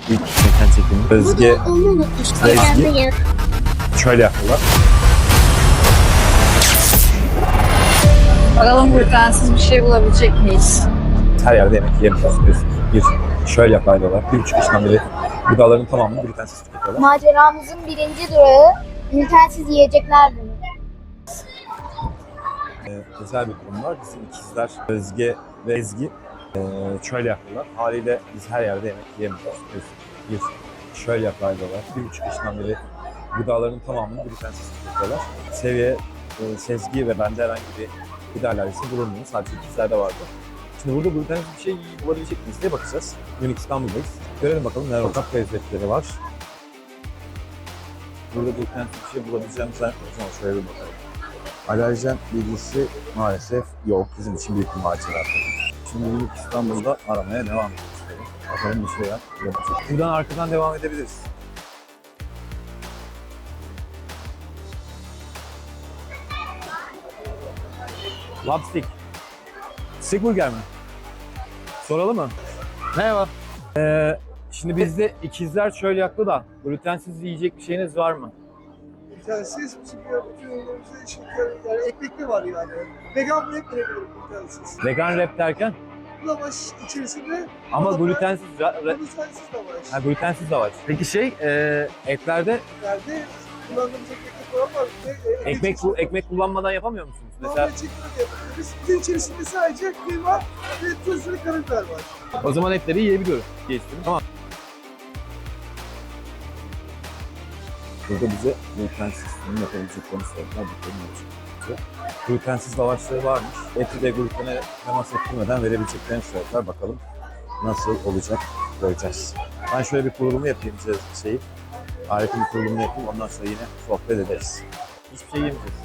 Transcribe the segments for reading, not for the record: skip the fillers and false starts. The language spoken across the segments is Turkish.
İlk mekan çekimi. Özge, Ezgi şöyle yapıyorlar. Bakalım glutensiz bir şey bulabilecek miyiz? Her yerde yemek yiyemiyoruz. Bir şöyle yapıyorlar. 1,5 yaşından beri gıdaların tamamını glutensiz tüketiyorlar. Maceramızın birinci durağı glutensiz yiyecekler bölümü. Özel bir durum var. Bizim ikizler Özge ve Ezgi şöyle yapıyorlar. Haliyle biz her yerde yemek yiyemiyoruz. Bir şöyle yapıyorlar. 1,5 yaşından beri gıdaların tamamını glutensiz tüketiyorlar. Sezgi ve bende herhangi bir gıda alerjisi bulunmuyor. Sadece ikizlerde vardı. Şimdi burada glutensiz bir şey bulabilecek miyiz diye bakacağız. Unique İstanbul'dayız. Görelim bakalım neler sokak lezzetleri var. Burada glutensiz bir şey bulabileceğimiz zannetmiyoruz ama şöyle bir bakalım. Alerjen bilgisi maalesef yok. Bizim için büyük bir macera. Şimdi Unique İstanbul'da aramaya devam ediyoruz. Bakalım bir şeyler yapacağız. Buradan arkadan devam edebiliriz. Lobstick. Stick burger mi? Soralım mı? Merhaba. Şimdi bizde ikizler şöyle yaptı da glutensiz yiyecek bir şeyiniz var mı? Glutensiz bizim bütün ürünlerimizde yani ekmekli var yani. Vegan wrap verebilirim glutensiz. Vegan wrap derken? Lavaş içerisinde Ama glutensiz glutensiz lavaş. Ha, glutensiz de var. Peki etlerde Yerde kullandığımız ekmekli falan var. ekmek kullanmadan yapamıyor musunuz? Mesela Mesela çekimde yapabiliriz. Bunun içerisinde sadece kıyma ve tuz ve karabiber var. o zaman etleri yiyebiliyoruz. Geçtim. Tamam. Burada bize glutensiz yapabileceklerini söylediler. Bakalım ne olacak. Glutensiz lavaşları varmış. Eti de glutene temas ettirmeden verebileceklerini söylediler. Bakalım nasıl olacak göreceğiz. Ben şöyle bir kurulumu yapayım şeyi. Harika bir kurulumu yapayım. Ondan sonra yine sohbet ederiz. Hiçbir şey yemeyeceğiz.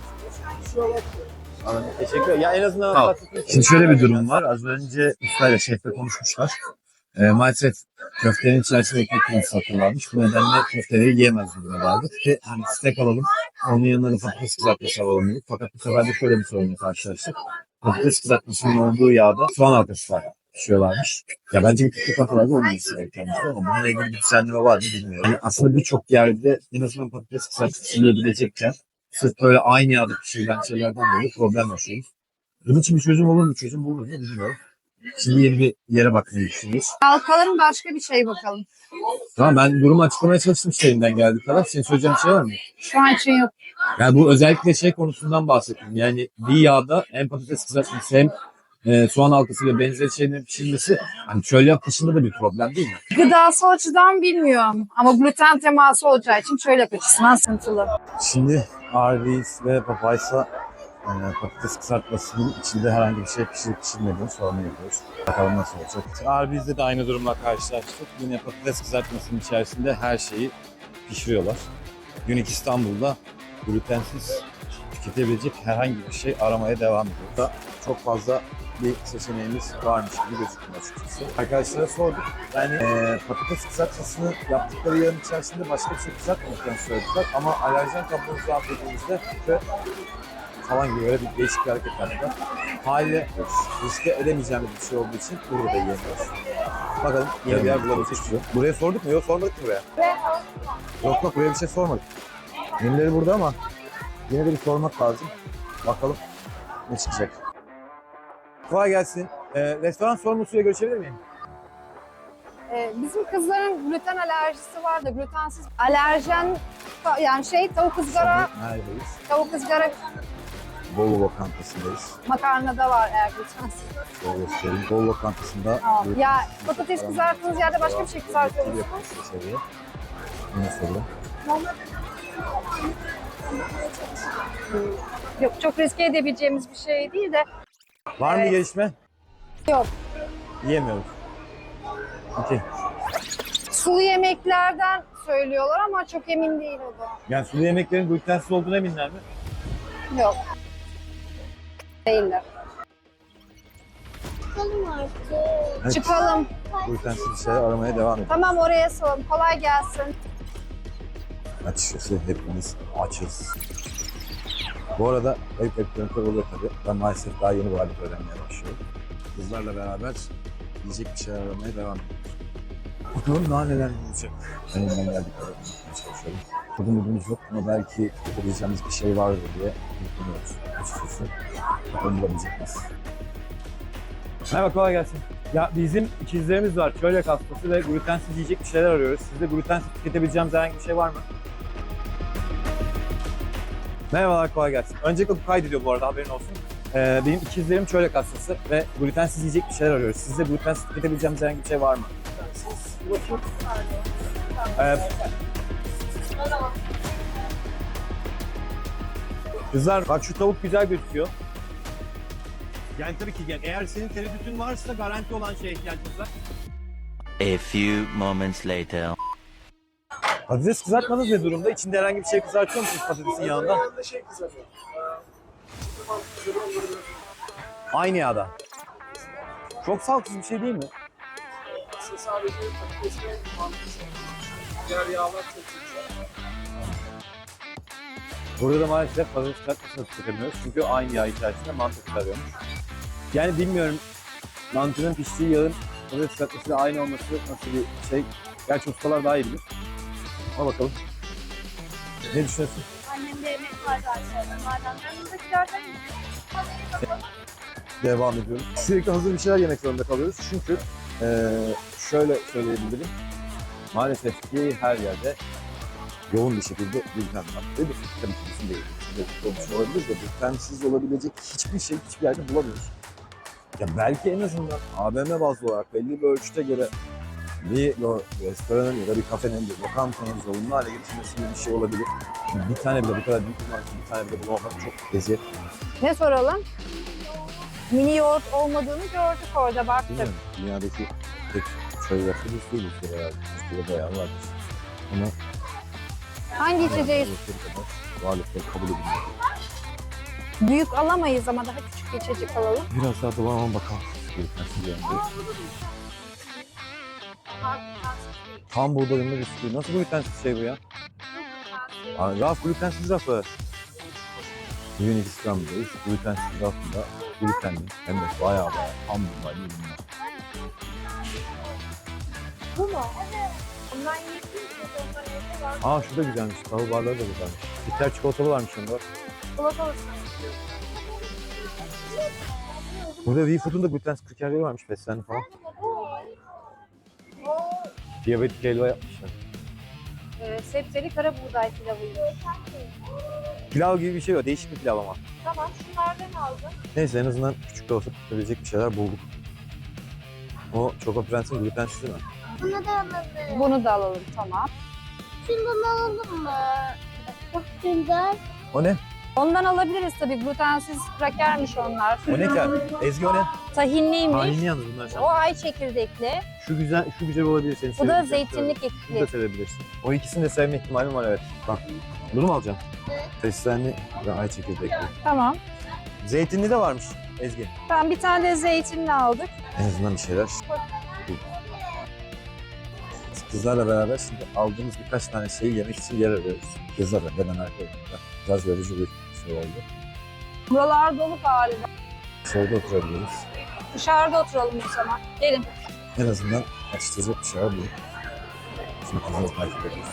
Anladım. Teşekkür ederim. Ya en azından şimdi şöyle bir durum var. Az önce ustayla şefle konuşmuşlar. Maalesef köftenin içerisinde ekmek kırmızı satırlarmış. Bu nedenle köfteleri yiyemez duruma geldik. Ve hani steak alalım, onun yanına da patates kızartması alalım dedik. Fakat bu sefer de şöyle bir sorunla karşılaştık. Patates kızartmasının olduğu yağda soğan halkası var. Pişiyorlarmış. Ya bence bir küçük kafalarda olmaması gereken bir şey ama bununla ilgili bir düzenleme var mı bilmiyorum. Yani aslında birçok yerde en azından patates kızartması yiyebilecekken sırf böyle aynı yağda pişirilen şeylerden dolayı problem yaşıyoruz. Bunun için bir çözüm olur mu? Çözüm bulur mu bilmiyorum. Şimdi yeni bir yere bakmayı düşünüyoruz. Halkaların başka bir şey bakalım. Tamam, ben durumu açıklamaya çalıştım şeyinden geldiği kadar. Senin söyleyeceğin bir şey var mı? Şu an için yok. Yani bu özellikle şey konusundan bahsettim. Yani bir yağda hem patates kızartması hem soğan halkası ve benzeri şeylerin pişirilmesi hani çöl yap dışında da bir problem değil mi? Gıdasal açıdan bilmiyorum. Ama gluten teması olacağı için şöyle açısından sıkıntılı. Şimdi Arby's ve Popeyes'a patates kızartmasının içinde herhangi bir şey pişirip pişirmediğini sorunu yapıyoruz. Bakalım nasıl olacak. Arby's'de de aynı durumla karşılaştık. Yine patates kızartmasının içerisinde her şeyi pişiriyorlar. Unique İstanbul'da glutensiz tüketebilecek herhangi bir şey aramaya devam ediyoruz. Burada çok fazla bir seçeneğimiz varmış gibi gözüküyor açıkçası. Arkadaşlara sorduk. Yani patates kızartmasını yaptıkları yağın içerisinde başka bir şey kızartmadıklarını söylediler. Ama alerjen kablomuzu affettiğimizde falan gibi böyle bir değişik bir hareket yaptılar. Haliyle riske edemeyeceğimiz bir şey olduğu için burada da yiyemiyoruz. Bakalım yeni bir yer bulabilecek mi? Buraya sorduk mu? Yok, sormadık mı buraya? Yok buraya bir şey sormadık. Menüleri burada ama yine de bir sormak lazım. Bakalım ne çıkacak. Kolay gelsin. Restoran sorumlusuyla görüşebilir miyim? Bizim kızların gluten alerjisi var da glutensiz alerjen yani tavuk ızgara, Neredeyiz? tavuk ızgara Bolu lokantasındayız. makarna da var eğer glutensiz. Şöyle göstereyim. Bolu lokantasında... Tamam. Ya patates kızarttığınız yerde başka bir şey kızartıyor musunuz? Yine soru. Yok, çok riske edebileceğimiz bir şey değil de. Var mı gelişme? Yok. Yiyemiyoruz. Okey. Sulu yemeklerden söylüyorlar ama çok emin değil o da. Yani sulu yemeklerin glutensiz olduğuna eminler mi? Yok. Değiller. Çıkalım artık. Evet. Çıkalım. Glutensiz bir şeyler aramaya devam edelim. Tamam, oraya salalım. Kolay gelsin. Açıkçası hepimiz açız. Bu arada ayıp ekranı oluyor tabii. Ben maalesef daha yeni bu halde öğrenmeye başlıyorum. Kızlarla beraber yiyecek bir şeyler aramaya devam ediyoruz. Bakalım daha neler olacak. Ben elimden geldiği kadar unutmaya çalışıyorum. Kodumuz yok ama belki yapabileceğimiz bir şey vardır diye umuyoruz açıkçası. Bakalım bulabilecek miyiz? Merhaba, kolay gelsin. Ya bizim ikizlerimiz var. Çölyak hastası ve glutensiz yiyecek bir şeyler arıyoruz. Sizde glutensiz tüketebileceğimiz herhangi bir şey var mı? Merhabalar, kolay gelsin. Öncelikle bu kaydediyor bu arada, haberin olsun. Benim ikizlerim çölyak hastası ve glutensiz yiyecek bir şeyler arıyoruz. Sizde glutensiz tüketebileceğimiz herhangi bir şey var mı? Kızlar bak, şu tavuk güzel gözüküyor. Yani tabii ki eğer senin tereddütün varsa garanti olan şeye ihtiyacımız var. A few moments later. Patates kızartmanız ne durumda? İçinde herhangi bir şey kızartıyor musunuz patatesin yağında? Yanında şey kızarıyor. Aynı yağda. Çok sağlıksız bir şey değil mi? Sadece patates ve mantısı. Diğer yağlar çok güzel. Burada da maalesef patates kızartmasını tüketemiyoruz. Çünkü aynı yağ içerisinde mantı kızarıyormuş. Yani bilmiyorum, mantının piştiği yağın patates kızartmasıyla aynı olması nasıl bir şey. Gerçi ustalar daha iyi bilir. Ama bakalım. Ne düşünüyorsun? Annemde yemek var zaten. Madem yanımdakilerden Devam ediyorum. Sürekli hazır bir şeyler yemek zorunda kalıyoruz. Çünkü şöyle söyleyebilirim. Maalesef ki her yerde yoğun bir şekilde gluten var. Değil mi? Tabii ki bizim değil. Olmuş olabilir de glutensiz olabilecek hiçbir şey hiçbir yerde bulamıyoruz. Ya belki en azından AVM bazlı olarak belli bir ölçüte göre bir restoranın ya da bir kafenin, bir lokantanın zorunlu hale getirmesi gibi bir şey olabilir. Bir tane bile bu kadar büyük bir marka, bir tane bile bulamamak çok eziyet. Ne soralım? Mini yoğurt olmadığını gördük orada, baktık. Bilmiyorum, dünyadaki tek şöyle yaptığımız değiliz herhalde. Türkiye'de bayağı vardır. Ama Hangi içeceği varlıkları kabul edilmiyor. büyük alamayız ama daha küçük bir içecek alalım. Biraz daha dolanalım bakalım. Tam buğdayımlı bisküvi. Nasıl glutensiz şey bu ya? Raf, glutensiz rafı. Yunanistan'dayız. Glutensiz rafında glutenli. Hem de bayağı tam buğdaylı ürünler. Bu mu? Ondan yiyebilirsiniz. Ondan evde var. Şu da güzelmiş. Tavuk barları da güzelmiş. Bitter çikolatalı varmış onda. Çikolatalı. Burada V-Food'un da glutensiz krakerleri varmış. Beslenli falan. Diyabetik helva yapmışlar. Sebzeli kara buğday pilavıymış. Pilav gibi bir şey var. Değişik bir pilav ama. Tamam, şunlardan aldım. Neyse, en azından küçük de olsa tutabilecek bir şeyler bulduk. O Choco Prens'in glutensiz değil mi? Bunu da alalım. Bunu da alalım, tamam. Şundan alalım mı? Çok güzel. O ne? Ondan alabiliriz tabii, glutensiz krakermiş onlar. O ne ki abi? Ezgi o ne? Tahinliymiş. Tahinli yalnız bunlar. O ay çekirdekli. Şu güzel olabilir senin Bu da sevebileceğin. zeytinlik Şunu da ekli. sevebilirsin. O ikisini de sevme ihtimalim var, evet. Bak. Bunu mu alacağım? Fesleğenli ve ay çekirdekli. Tamam. Zeytinli de varmış Ezgi. Ben bir tane de zeytinli aldık. En azından bir şeyler. Kızlarla beraber şimdi aldığımız birkaç tane şeyi yemek için yer arıyoruz. Kızlarla ben arkadaşlar. Biraz yorucu bir şey oldu. Buralar dolu galiba. Solda oturabiliriz. Dışarıda oturalım o zaman. Gelin. En azından açtıracak bir şeyler bulup şimdi kızları takip ediyoruz.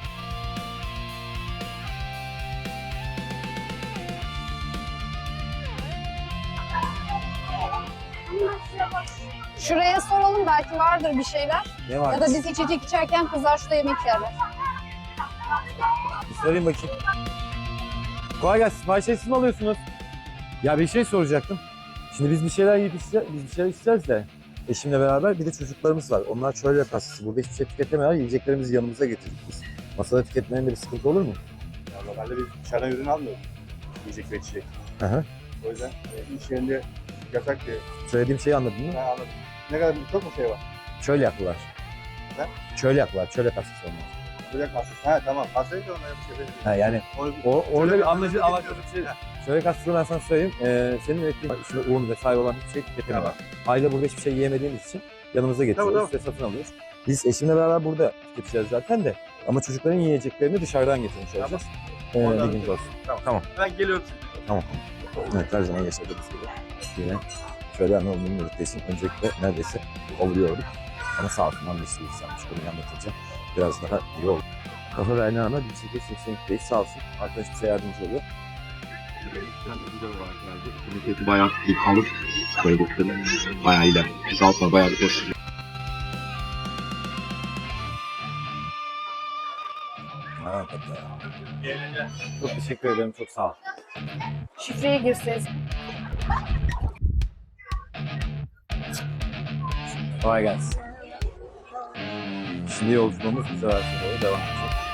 Şuraya soralım, belki vardır bir şeyler. Ne var? Ya da biz içecek içerken kızlar şurada yemek yerler. Bir sorayım bakayım. Kolay gelsin. Siparişleri siz mi alıyorsunuz? Ya bir şey soracaktım. Şimdi biz bir şeyler yiyip biz bir şeyler isteyeceğiz de eşimle beraber bir de çocuklarımız var. Onlar çölyak hastası. Burada hiçbir şey tüketemiyorlar. Yiyeceklerimizi yanımıza getirdik biz. Masada tüketmenin de bir sıkıntı olur mu? Ya normalde biz dışarıdan ürün almıyoruz. Yiyecek ve içecek. Hı hı. O yüzden iş yerinde yasak diye. Söylediğim şeyi anladın mı? Ben anladım. Ne kadar çok mu şey var? Çölyaklılar. Ne? Çölyaklılar. Çölyak hastası onlar. Böyle hastası. Ha tamam. Hastayı da onlara bir şey Ha, yani Onu, orada bir anlaşılır bir şey. Çölyak hastası ben sana söyleyeyim. Senin ürettiğin içinde un vesaire olan hiçbir şey tüketemiyorlar. Aile burada hiçbir şey yiyemediğimiz için yanımıza getiriyoruz Tamam. ve satın alıyoruz. Biz eşimle beraber burada tüketeceğiz zaten de. Ama çocukların yiyeceklerini dışarıdan getirmiş olacağız. Oradan Bilginiz olsun. Tamam. Ben geliyorum. Evet, her zaman yaşadığımız gibi. Yine şöyle anlamının yürüttüğü için öncelikle neredeyse ovuluyorduk. Ama sağ olsunlar bir şey istemiş. Konuyu anlatınca biraz daha iyi oldu. Kafa Berna'na 1882'deyiz. Sağ olsun. Arkadaş bize yardımcı oluyor. Komiteti bayağı iyi kalır. Koydukları bayağı iyiler. Biz altına bayağı bir koşuyor. Çok teşekkür ederim. Çok sağ ol. Şifreye girseniz. Kolay gelsin. Şimdi yolculuğumuz güzel doğru devam edecek.